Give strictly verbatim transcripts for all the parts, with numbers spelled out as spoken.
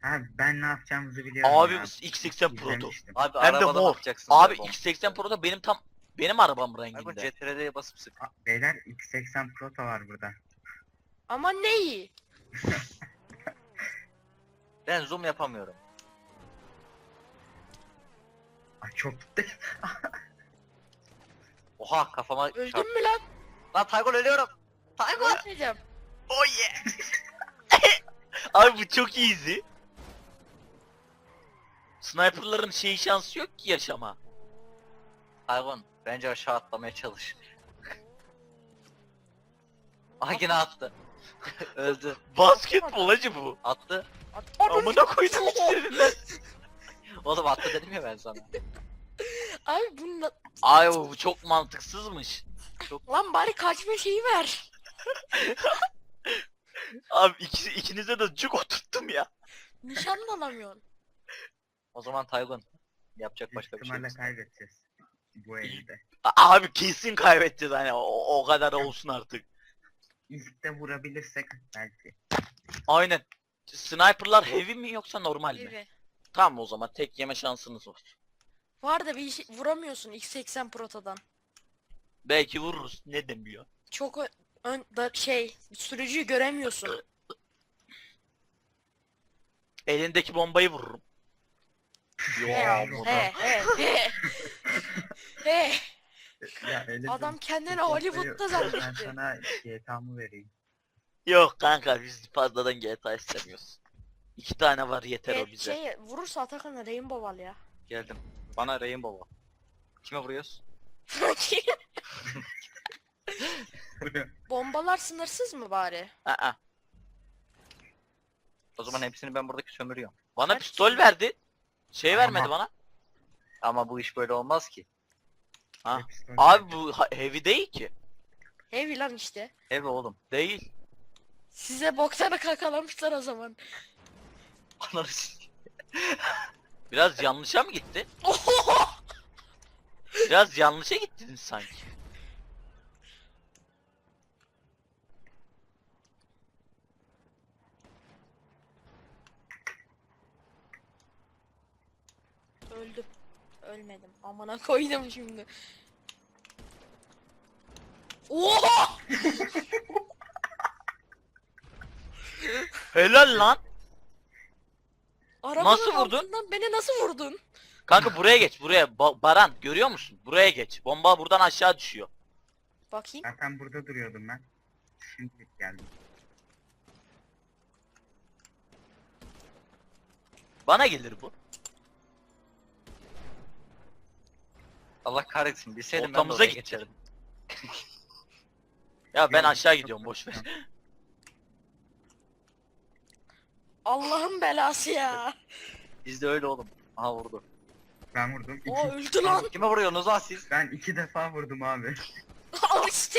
Abi ben ne yapacağımızı biliyorum Abi ya. X seksen Pro'du. İzlemiştim. Abi Hem de arabada mor. bakacaksın. Abi böyle X seksen Pro'da benim tam benim arabam bomba. Abi bu renginde. C T R'ye basıp sık. Aa, beyler X seksen Proto var burada. Ama neyi? Ben zoom yapamıyorum. Aa, çok gitti. Oha kafama çarp. Öldün mü lan? Lan Taygun ölüyorum. Taygun. Ne diyeceğim? Oh yeah. Abi bu çok easy. Sniper'ların şey şansı yok ki yaşama. Taygun bence aşağı atlamaya çalış. Ah yine attı. Öldü. Basketbol acı bu. Attı. Amına koydum ikilerinden. Oğlum attı dedim ya ben sana. Abi bunun Ay bu çok mantıksızmış. lan bari kaçma şeyi ver. Abi ikisi, ikinize de cuk oturttum ya. Nişan da alamıyorsun. O zaman Taygun. Yapacak Büyük başka bir şey ihtimalle yok. kaybedeceğiz. Bu elde. A- Abi kesin kaybedeceğiz hani o, o kadar olsun artık. İlk de vurabilirsek belki. Aynen. Sniper'lar heavy mi yoksa normal mi? Evet. Tamam o zaman tek yeme şansınız var. Var da bir şey vuramıyorsun X seksen Proto'dan. Belki vururuz. Ne demiyor? Çok ö- ön da şey sürücüyü göremiyorsun. Elindeki bombayı vururum. Yo, he, burada. he he he. He. Ya öyle Adam bir- kendini bir Hollywood'da Ben zannetti. sana G T A'mı vereyim. Yok kanka biz fazladan G T A istemiyoruz. İki tane var yeter o Evet, bize. şey vurursa Atakan'a Rainbow al ya. Geldim. Bana Rainbow. Kime vuruyoruz? Bombalar sınırsız mı bari? Aa, O zaman hepsini ben buradaki sömürüyorum. bana Kaç pistol kişi? verdi. Şey Ama- vermedi bana. Ama bu iş böyle olmaz ki. Ha. Hepsi öyle. Abi bu ha- heavy değil ki. Heavy lan işte. Ev oğlum. Değil. Size boktanı kakalamışlar o zaman. Ananı s- Biraz yanlışa mı gitti? Oho! Biraz yanlışa gittiniz sanki. Öldüm. Ölmedim. Amına koydum şimdi. Oha! Helal lan. Arabanın Nasıl vurdun? altından beni nasıl vurdun? Kanka buraya geç buraya. Ba- Baran görüyor musun? Buraya geç. Bomba buradan aşağı düşüyor. Bakayım. Zaten burada duruyordum ben. Şimdi geldim. Bana gelir bu. Allah kahretsin. Bilseydim ben de Ortamıza oraya gitti. geçerim. Ya ben Yok, aşağı çok gidiyorum boş ver. korkuyorum. Allah'ın belası ya. Bizde öyle oğlum. Aha vurdu. Ben vurdum. İki, O öldü lan. Kime vuruyorsunuz lan siz? Ben iki defa vurdum abi. Al işte.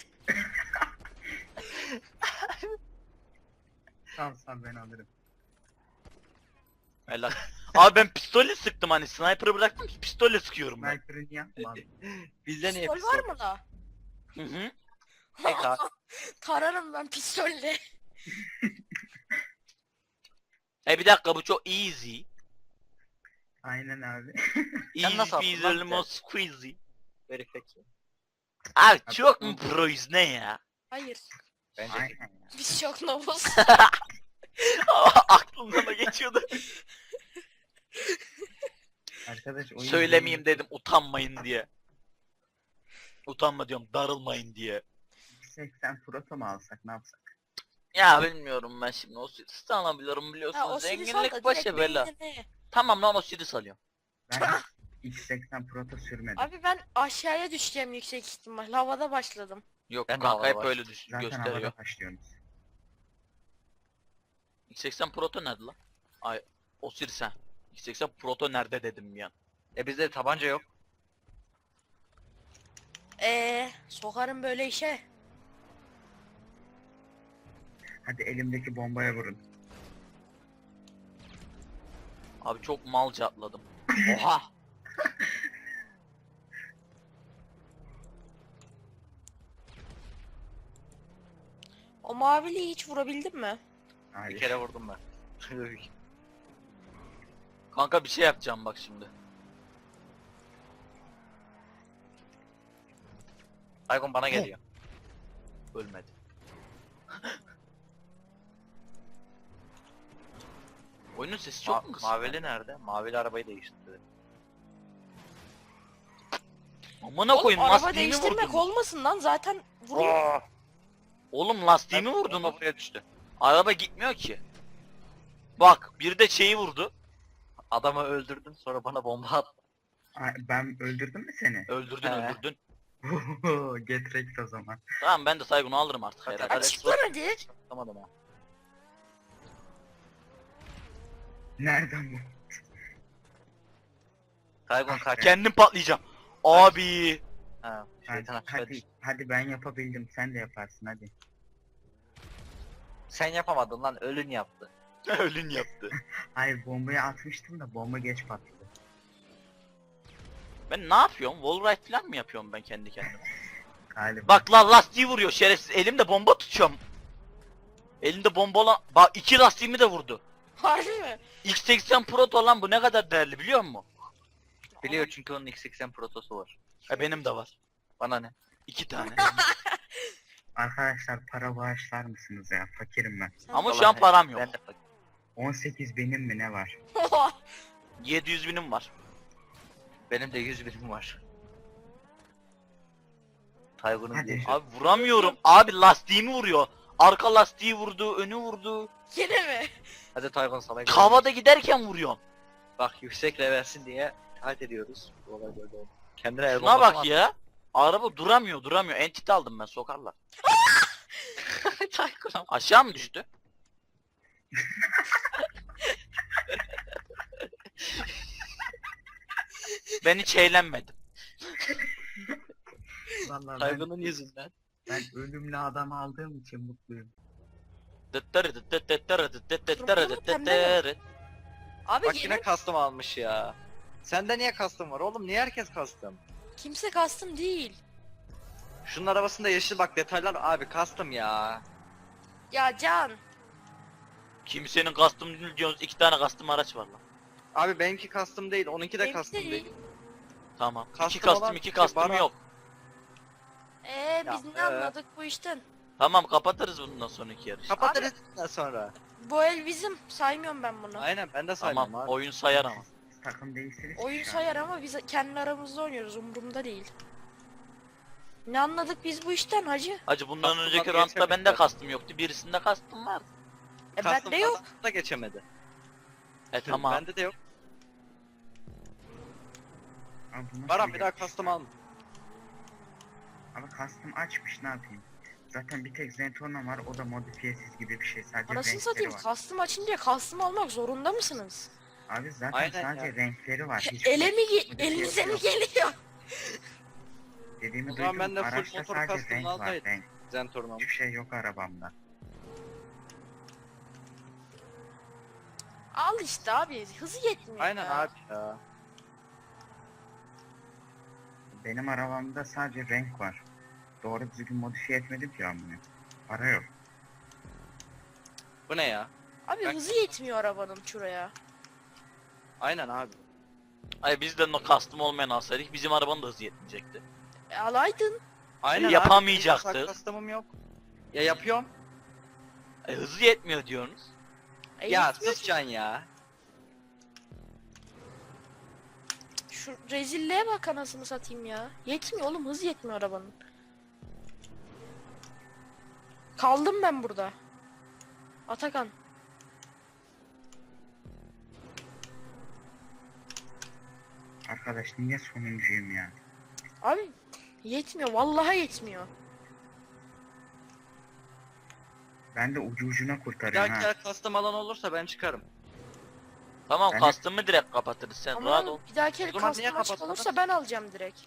Sal sal ben alırım. Helal. Abi ben pistolle sıktım hani sniper'ı bıraktım pistolle sıkıyorum ben. Sniper'ın yapma abi. Bizde niye Pistol var mı da? Hı hı. Tek ha. Tararım ben pistolle. E bir dakika bu çok easy. Aynen abi. Sen Easy nasıl attın peasy lan? lemon squeezy. Very fake. Abi çok mu proyuz ne ya? Hayır. Bence Aynen ya. Biz çok novuz. Aklımdan da geçiyordu. Arkadaş oyun Söylemeyeyim dedim utanmayın diye. Utanma diyorum darılmayın diye. seksen Proto mu alsak ne yapsak? Ya bilmiyorum ben şimdi o Osiris'i alabiliyorum Ha, biliyorsunuz. o Siris al da Zenginlik direkt başa bela. beynine. Tamam lan Osiris alıyorum. Ben X seksen Proto sürmedim. Abi ben aşağıya düşeceğim yüksek ihtimal. Havada başladım. Yok Ben de kanka havada hep var. öyle düş Zaten gösteriyor. havada başlıyorsunuz. X seksen Proto nerede lan? Ay Osiris ha. X seksen Proto nerede dedim ya. E bizde tabanca yok. Eee sokarım böyle işe. Hadi elimdeki bombaya vurun. Abi çok malca atladım. Oha. O maviliği hiç vurabildin mi? Bir Hayır. kere vurdum ben. Kanka bir şey yapacağım bak şimdi. Taygun bana geliyor. Ölmedi. Oyunun sesi çok Ma mu kısık? mavili nerede? Mavili arabayı değiştirdi. Amına Oğlum koyayım araba lastiğimi değiştirmek vurdunuz. olmasın lan zaten vuruyor. Oğlum lastiğimi vurdunuz. Bomba buraya düştü. Araba gitmiyor ki. Bak bir de şeyi vurdu. Adamı öldürdüm sonra bana bomba attı. Ay, ben öldürdüm mü seni? Öldürdün He. öldürdün. Get wrecked o zaman. Tamam ben de Saygun'u alırım artık Hadi, herhalde. hadi. Açık lan hadi. Atamadım ha. Nereden bu? Taygun kaç. Kendim patlayacağım. Abi. Ha, Hadi, şeytan aşağı hadi, düştü. hadi ben yapabildim. Sen de yaparsın hadi. Sen yapamadın lan, ölün yaptı. Ölün yaptı. Hayır bombayı atmıştım da bomba geç patladı. Ben ne yapıyorum? Wallride falan mı yapıyorum ben kendi kendime? Galiba. Bak lan lastiği vuruyor şerefsiz. Elimde bomba tutuyorum. Elimde bomba olan... Bak iki lastiğimi de vurdu. Harbi mi? X seksen Proto lan bu ne kadar değerli biliyor musun? Biliyor çünkü onun X seksen protosu var. E benim de var. Bana ne? İki tane. Arkadaşlar para bağışlar mısınız ya? Fakirim ben. Ama şu Vallahi an param yok. Ben de fakir. on sekiz benim mi ne var? yedi yüz binim var. Benim de yüz birim var. Taygun'un Hadi. diye. Abi vuramıyorum. Abi lastiğimi vuruyor. Arka lastiği vurdu, önü vurdu. Yine mi? Hadi Taygun sana gel. Havada giderken vuruyorum. Bak yüksek reversin diye taat ediyoruz. Bu olay böyle oldu. Kendine el Şuna bombası bak mı ya. Araba duramıyor, duramıyor. Entity aldım ben, sokarlar. attın? Taygun. Aşağı mı düştü? Ben hiç eğlenmedim. Vallahi ben, Taygun'un yüzünden. ben ölümlü adam aldığım için mutluyum. Abi Bak yine yine custom almış ya. Sende niye custom var oğlum? Niye herkes custom? kimse kastım değil. Şunun arabasında yeşil bak detaylar abi custom ya. Ya Can. Kimsenin custom değil diyorsunuz. İki tane custom araç var lan. Abi benimki custom değil, onunki de Benimki custom değil. değil. Tamam. Custom iki custom, olan iki şey custom bana- yok. Eee biz Ya, ne ee. anladık bu işten? Tamam kapatırız bundan sonraki yarış. Kapatırız bundan sonra. Bu el bizim. Saymıyorum ben bunu. Aynen ben de saymam Tamam abi. oyun sayar ama. Takım değilsiniz. Oyun şu an. sayar ama biz kendi aramızda oynuyoruz. Umurumda değil. Ne anladık biz bu işten hacı? Hacı bundan Custom'dan önceki roundda geçemedik bende zaten. custom yoktu. Birisinde custom vardı. E Custom bende yok. falan da geçemedi. E tamam. Bende de yok. Abi bu nasıl Baran bir daha yarış custom ya? alma. Ama custom açmış ne yapayım? Zaten bir tek Zentorno var, o da modifiyesiz gibi bir şey, sadece Anasını renkleri satayım. var. Custom açınca custom almak zorunda mısınız? Abi zaten Aynen sadece ya. renkleri var. Hiç Ele mi ge- modifiyesi elinize mi yok. geliyor? Dediğimi O zaman duydum, ben de full araçta motor sadece custom renk var, alsaydım. renk. Zentorno. Hiçbir şey yok arabamda. Al işte abi. Hızı yetmiyor Aynen ya. abi ya. Benim arabamda sadece renk var. Doğru düzgün modifiye etmedim ki ben bunu. Para yok. Bu ne ya? Abi Ben- hızı yetmiyor arabanın şuraya. Aynen abi. Ay bizden o custom olmayan alsaydık bizim arabanın da hızı yetmeyecekti. E, alaydın. Aynen Yapamayacaktık. abi. Benim custom'um yok. Ya yapıyorum. E, hızı yetmiyor diyorsunuz. E, Ya yetmiyor sus ki. Can ya. Şu rezilliğe bak anasını satayım ya. Yetmiyor oğlum, hız yetmiyor arabanın. Kaldım ben burada. Atakan. Arkadaş niye sonuncuyum ya? Abi yetmiyor, vallahi yetmiyor. Ben de ucu ucuna Bir kurtarıyorum dahaki ha. yer custom alan olursa ben çıkarım. Tamam Ben- custom'ı direkt kapatırız sen rahat ol. Ama bir dahaki el O zaman niye custom açık kapatmadın? olursa ben alacağım direkt.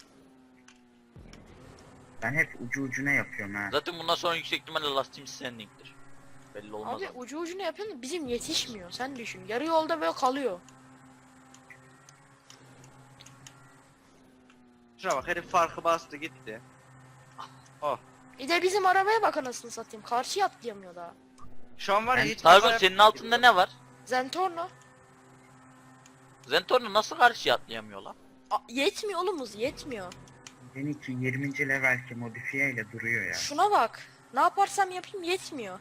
Ben hep ucu ucuna yapıyorum ha. Zaten bundan sonra yüksek ihtimalle lastiğim sending'dir. Belli olmaz Abi ama. ucu ucuna yapıyorsun da bizim yetişmiyor. Sen düşün. Yarı yolda böyle kalıyor. Şuna bak herif farkı bastı gitti. Oh. Bir de bizim arabaya bak anasını satayım. Karşıya atlayamıyor daha. Şu an var ya Ben- hiç Targun kaza senin yapmıyor altında gibi. ne var? Zentorno. Zentorno nasıl karşıya atlayamıyor lan? A- yetmiyor oğlum hız yetmiyor. Benimki yirminci levelki modifiye ile duruyor ya. Şuna bak. Ne yaparsam yapayım yetmiyor.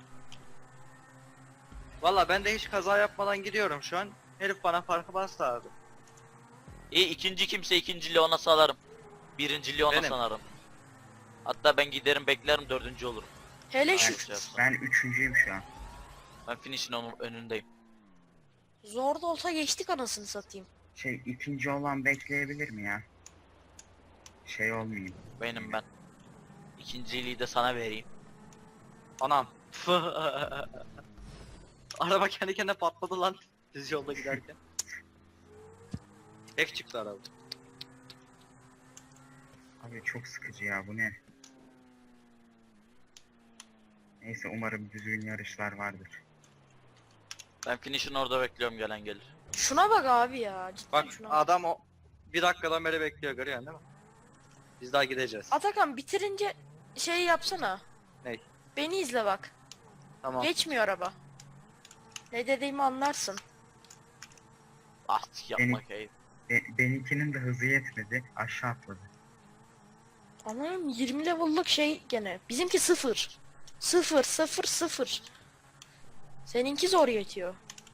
Valla ben de hiç kaza yapmadan gidiyorum şu an. Herif bana farkı bastı abi. İyi ikinci kimse ikinciliği ona salarım. Birinciliği ona Benim. sanarım. Hatta ben giderim beklerim dördüncü olurum. Hele Ben, şu Şey yapsam. ben üçüncüyüm şu an. Ben finish'in onun önündeyim. zor da olsa geçtik anasını satayım. Şey ikinci olan bekleyebilir mi ya? Şey olmayayım. Benim ben. İkinciliği de sana vereyim. Anam. Araba kendi kendine patladı lan. Düz yolda giderken. Hack çıktı araba. Abi çok sıkıcı ya, bu ne? Neyse, umarım düzgün yarışlar vardır. Ben finish'in orada bekliyorum gelen gelir. Şuna bak abi ya. Cidden Bak şuna bak. adam o bir dakikadan beri bekliyor, görüyorsun değil mi? Biz daha gideceğiz. Atakan bitirince şey yapsana. Ney? Beni izle bak. Tamam. Geçmiyor araba. Ne dediğimi anlarsın. Ah yapma keyif. Be benimkinin de hızı yetmedi. Aşağı atladı. Anam yirmi level'lık şey gene. Bizimki sıfır. Sıfır sıfır sıfır. Seninki zor yetiyor.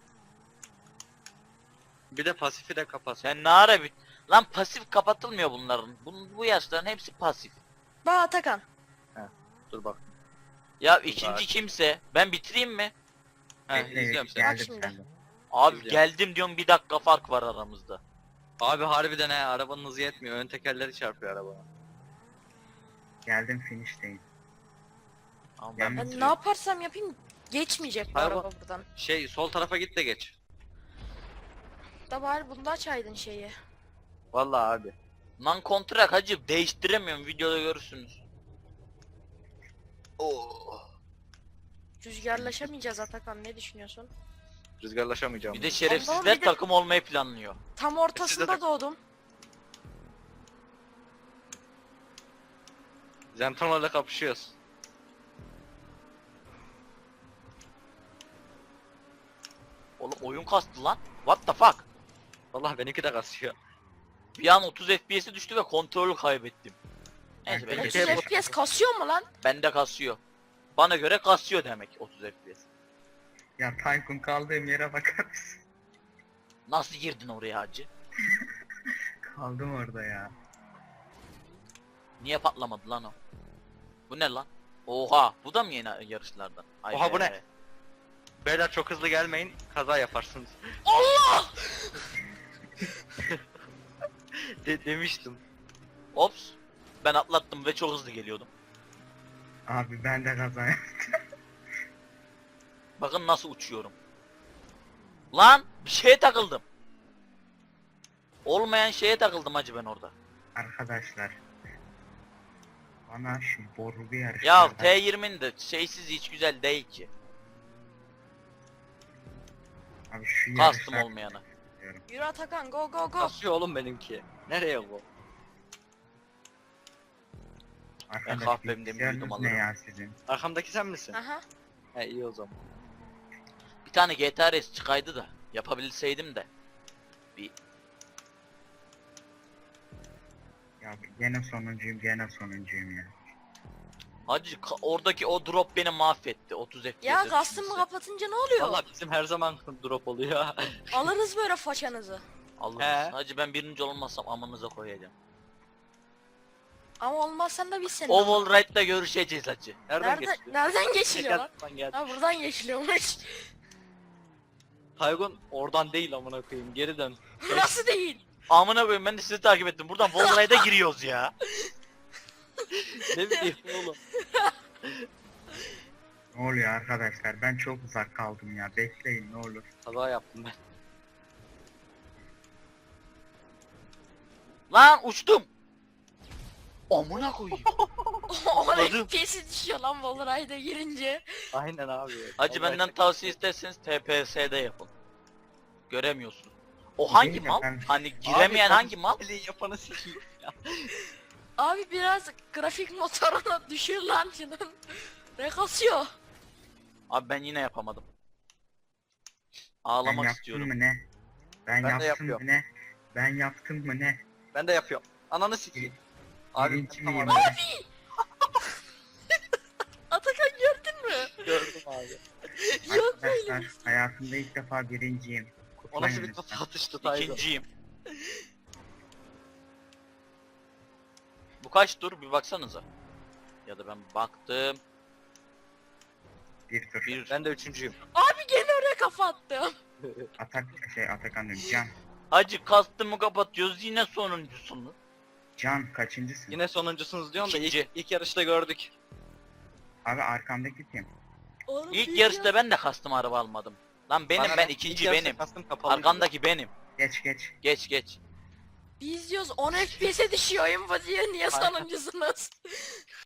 Bir de pasifi de kapat. Sen ne ara bit... Lan pasif kapatılmıyor bunların. Bu, bu yaşların hepsi pasif. Bak Atakan. Dur bak. Ya Dur ikinci bak. kimse. Ben bitireyim mi? He, Bekle, izliyorum seni. geldim Bak şimdi. senden. Abi İzliyorum. geldim diyorum bir dakika fark var aramızda. Abi harbiden he, arabanın hızı yetmiyor. Ön tekerleri çarpıyor arabaya. Geldim, finish'teyim. Ama ben Ben Ben bitiriyorum. ne yaparsam yapayım geçmeyecek bu Hayır, araba buradan. Şey sol tarafa git de geç. Da bari bunda açaydın şeyi. Vallahi abi. Lan kontrak hacı değiştiremiyorum videoda görürsünüz. Oo. Rüzgarlaşamayacağız Atakan, ne düşünüyorsun? Rüzgarlaşamayacağım. Bir de Allah'ım, şerefsizler bir de- takım olmayı planlıyor. Tam ortasında de- doğdum. Zentorno'yla kapışıyoruz. Oğlum oyun kastı lan. What the fuck? Vallahi benimki de kasıyor. Bir an otuz F P S'i düştü ve kontrolü kaybettim. Neyse ben Peki. otuz geçtim. Peki. F P S kasıyor mu lan? Bende kasıyor. Bana göre kasıyor demek otuz F P S. Ya Tayfun, kaldığım yere bakar mısın? Nasıl girdin oraya hacı? Kaldım orada ya. Niye patlamadı lan o? Bu ne lan? Oha, bu da mı yeni yarışlardan? Ay Oha, bu be. ne? Beyler çok hızlı gelmeyin, kaza yaparsınız. Allah! De demiştim. Ops. Ben atlattım ve çok hızlı geliyordum. Abi ben de kaza Bakın nasıl uçuyorum. Lan bir şeye takıldım. Olmayan şeye takıldım hacı ben orada. Arkadaşlar. Bana şu boru bir yarış. Ya T yirminin de şeysiz hiç güzel değil ki. Abi şu Kastım yarışlar- olmayana. Yürü Atakan, go go go. Kasıyor oğlum benimki. Nereye bu? Arkadaş, Ben kahvemden bilgisayarınız büyüdüm ne alırım. ya sizin? Arkamdaki sen misin? Aha. He, iyi o zaman. Bir tane G T R S çıkaydı da yapabilseydim de. Bir Ya gene sonuncuyum, gene sonuncuyum ya. hacı ka- oradaki o drop beni mahvetti. otuz F P S. Ya kastımı kapatınca ne oluyor? Vallahi bizim her zaman drop oluyor. Alırız böyle façanızı. Alırız. He. Hacı ben birinci olmazsam amınıza koyacağım. Ama olmazsan da biz seni. Oval Ride'da görüşeceğiz hacı. Nereden Nereden, geçti? nereden geçiliyor lan? Tekerden geldi. Ha buradan geçiliyormuş. Taygun oradan değil amına koyayım, geri dön. Nasıl değil? Amına koyayım ben de sizi takip ettim. Buradan Wall Ride'a giriyoruz ya. Ne bileyim oğlum. Ne oluyor arkadaşlar? Ben çok uzak kaldım ya. Bekleyin ne olur. Kaza yaptım ben. Lan uçtum. Amına koyayım. Onun Anladım. F P S'i düşüyor lan Volray'da girince. Aynen abi. Hacı Vallahi benden çok- tavsiye isterseniz T P S'de yapın. Göremiyorsun. O hangi Değil de mal? ben- Hani giremeyen Abi, hangi mal? Eli yapanı sikeyim ya. Abi biraz grafik motoruna düşür lan şunun. Ne kasıyor? Abi ben yine yapamadım. Ben Ağlamak yaptım istiyorum. mı ne? Ben, Ben de yaptım yapıyorum. mı ne? Ben yaptım mı ne? Ben de yapıyorum. Ananı sikeyim. Abi Birinci tamam, miyim abi. ben? Atakan gördün mü? Gördüm abi. Yok Arkadaşlar hayatımda ilk defa birinciyim. O nasıl Kutlayın bir lütfen. kafa atıştı Tayzo. İkinciyim. Bu kaç tur bir baksanıza. Ya da ben baktım. Bir tur. Bir. Ben de üçüncüyüm. Abi gene oraya kafa attım. Atak şey Atakan diyorum. Can. Hacı kastımı kapatıyoruz yine sonuncusunuz. Can kaçıncısın? Yine sonuncusunuz diyorsun da ilk, İkinci. ilk yarışta gördük. Abi arkamdaki kim? Oğlum İlk biz yarışta ya- ben de kastım araba almadım. Lan benim Bana ben ne? ikinci İlk yarışta benim. kastım kapalı. Arkandaki benim. Geç geç. Geç geç. Biz diyoruz on F P S'e düşüyor oyun bu diye niye Aynen. sonuncusunuz?